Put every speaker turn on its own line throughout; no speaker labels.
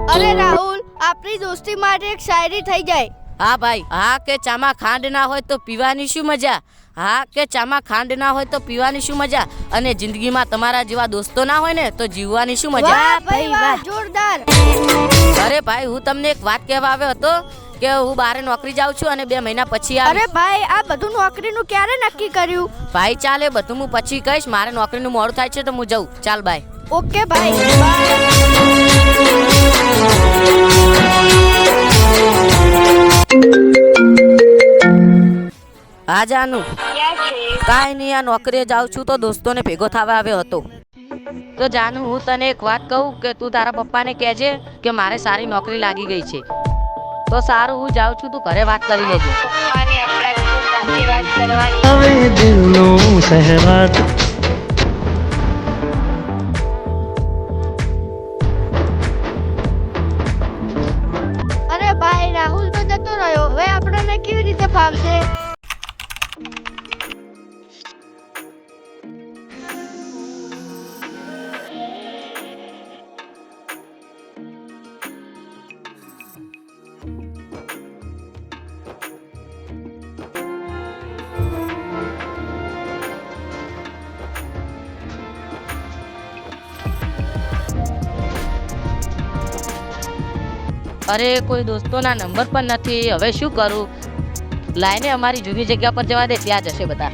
અરે રાહુલ, આપણી દોસ્તી માટે એક શાયરી થઈ જાય.
હા ભાઈ. હા કે ચામાં ખાંડ ના હોય તો પીવાની શું મજા? હા કે ચામાં ખાંડ ના હોય તો પીવાની શું મજા? અને જિંદગીમાં તમારા જેવા દોસ્તો ના હોય ને તો જીવવાની શું મજા?
વાહ ભાઈ વાહ, જોરદાર.
અરે ભાઈ, હું તમને એક વાત કહેવા આવ્યો હતો કે હું બહાર નોકરી જાઉં છું અને 2 મહિના પછી
અરે
આવીશ.
ભાઈ, આ બધું નોકરીનું ક્યારે નક્કી કર્યું?
ભાઈ ચાલે, બધું હું પછી કહીશ. મારે નોકરીનું મોડું થાય છે તો હું જઉં. ચાલ બાય.
ઓકે ભાઈ, બાય.
હા જાનું, કાંઈ નહીં, આ નોકરીએ જાઉં છું તો દોસ્તોને ભેગો થવા આવ્યો હતો. તો જાનું, હું તને એક વાત કહું કે તું તારા પપ્પાને કહેજે કે મારે સારી નોકરી લાગી ગઈ છે. તો સારું, હું જાઉં છું, તું ઘરે વાત કરી લેજે.
હવે દિલનું સહેવાત
અરે ભાઈ, રાહુલ તો જતો રહ્યો. હવે આપણને કેવી રીતે ફાવશે?
અરે કોઈ દોસ્તોના નંબર પણ નથી. હવે શું કરું? લાઈને અમારી જૂની જગ્યા પર જવા દે, ત્યાં જશે બધા.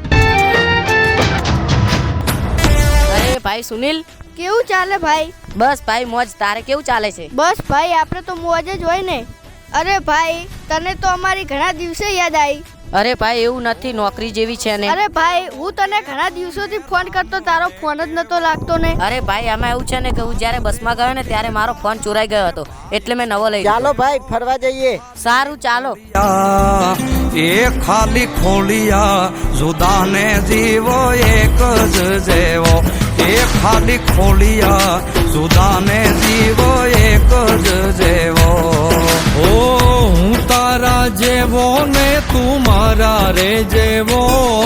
અરે ભાઈ સુનિલ.
કેવું ચાલે ભાઈ?
બસ ભાઈ મોજ. તારે કેવું ચાલે છે?
બસ ભાઈ, આપણે તો મોજ જ હોય ને. અરે ભાઈ, તને તો અમારી ઘણા દિવસે યાદ આવી.
અરે ભાઈ, એવું નથી, નોકરી જેવી છે ને.
અરે ભાઈ, હું તને ઘણા દિવસોથી ફોન કરતો, તારો ફોન જ નતો લાગતો ને.
અરે ભાઈ, આમાં એવું છે ને કે હું જ્યારે બસમાં ગયો ને ત્યારે મારો ફોન ચોરાઈ ગયો હતો, એટલે મેં નવો લઈ લીધો.
ચાલો ભાઈ, ફરવા જઈએ.
સારું, ચાલો.
એ ખાલી ખોલિયા જુદાને જીવો એક જ જેવો. એ ખાલી ખોલિયા જુદાને જીવો એક જ જેવો. ઓ હું તારા જેવો ને તું મારા રે જેવો.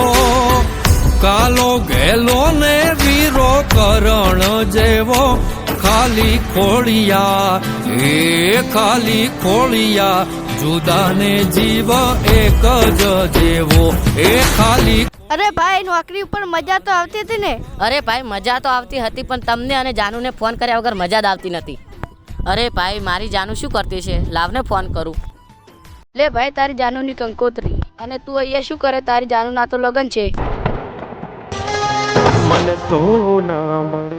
કાલો ગેલો ને વીરો કરણ જેવો. ખાલી ખોલિયા એ ખાલી ખોલિયા જુદાને જીવ એક જ જેવો. એ ખાલી.
અરે ભાઈ, નોકરી ઉપર મજા તો આવતી હતી ને?
અરે ભાઈ, મજા તો આવતી હતી, પણ તમને અને જાનુને ફોન કર્યા વગર મજા જ આવતી નથી. અરે ભાઈ, મારી જાનુ શું કરતી છે? લાવને ફોન કરું.
લે ભાઈ, તારી જાનુની કંકોત્રી. અને તું અહીંયા શું કરે? તારી જાનુના તો લગન છે.
મને તો ના મળે.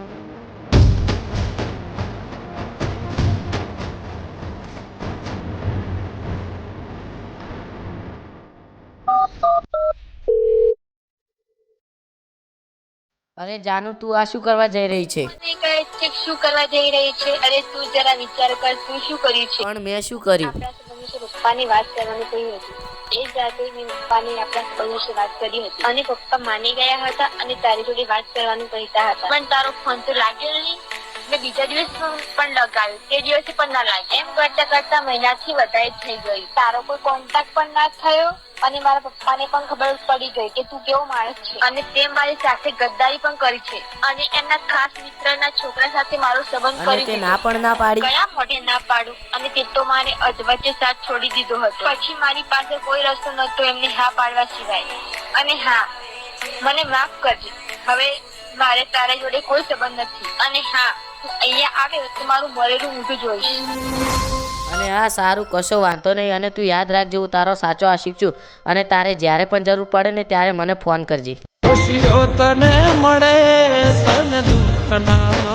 અરે જાનુ, તું આ શું કરવા જઈ રહી છે?
શું કરવા જઈ રહી છે? અરે તું જરા વિચાર કર, તું શું કર્યું છે?
પણ મેં શું કર્યું?
આપણા સંબંધ વિશે પપ્પાની વાત કરવાની કહી હતી. એ જ રાતે મેં પપ્પાને આપણા સંબંધ વિશે વાત કરી હતી અને પપ્પા માની ગયા હતા અને તારી જોડે વાત કરવાનું કહેતા હતા. પણ તારો ફોન તો લાગ્યો નહીં. મેં બીજા દિવસ પણ લગાવ્યું, તે દિવસે પણ ના લાગ્યો. એમ કરતા કરતા મહિનાથી વધારે થઈ ગઈ. તારો કોઈ કોન્ટેક્ટ પણ ના થયો અને મારા પપ્પાને પણ ખબર પડી ગઈ કે તું કેવો માણસ છે અને તે મારી સાથે ગદ્દારી પણ કરી છે અને એમના ખાસ મિત્રના છોકરા સાથે મારો સંબંધ કરી
તે ના પણ ના પાડી.
કયા મોઢે ના પાડું? અને તે તો મારે અધવચ્ચે સાથ છોડી દીધો હતો. પછી મારી પાસે કોઈ રસ્તો નહોતો એમને હા પાડવા સિવાય. અને હા, મને માફ કરજે. હવે મારે તારા જોડે કોઈ સંબંધ નથી. અને હા, તું અહીંયા આવે તો મારું મરેલું મોઢું જોઈશ.
અને હા, સારું, કશો વાંધો નહીં. અને તું યાદ રાખજે, હું તારો સાચો આશિક છું અને તારે જ્યારે પણ જરૂર પડે ને ત્યારે મને ફોન કરજે.
ખુશીઓ તને મળે, તને દુઃખ ના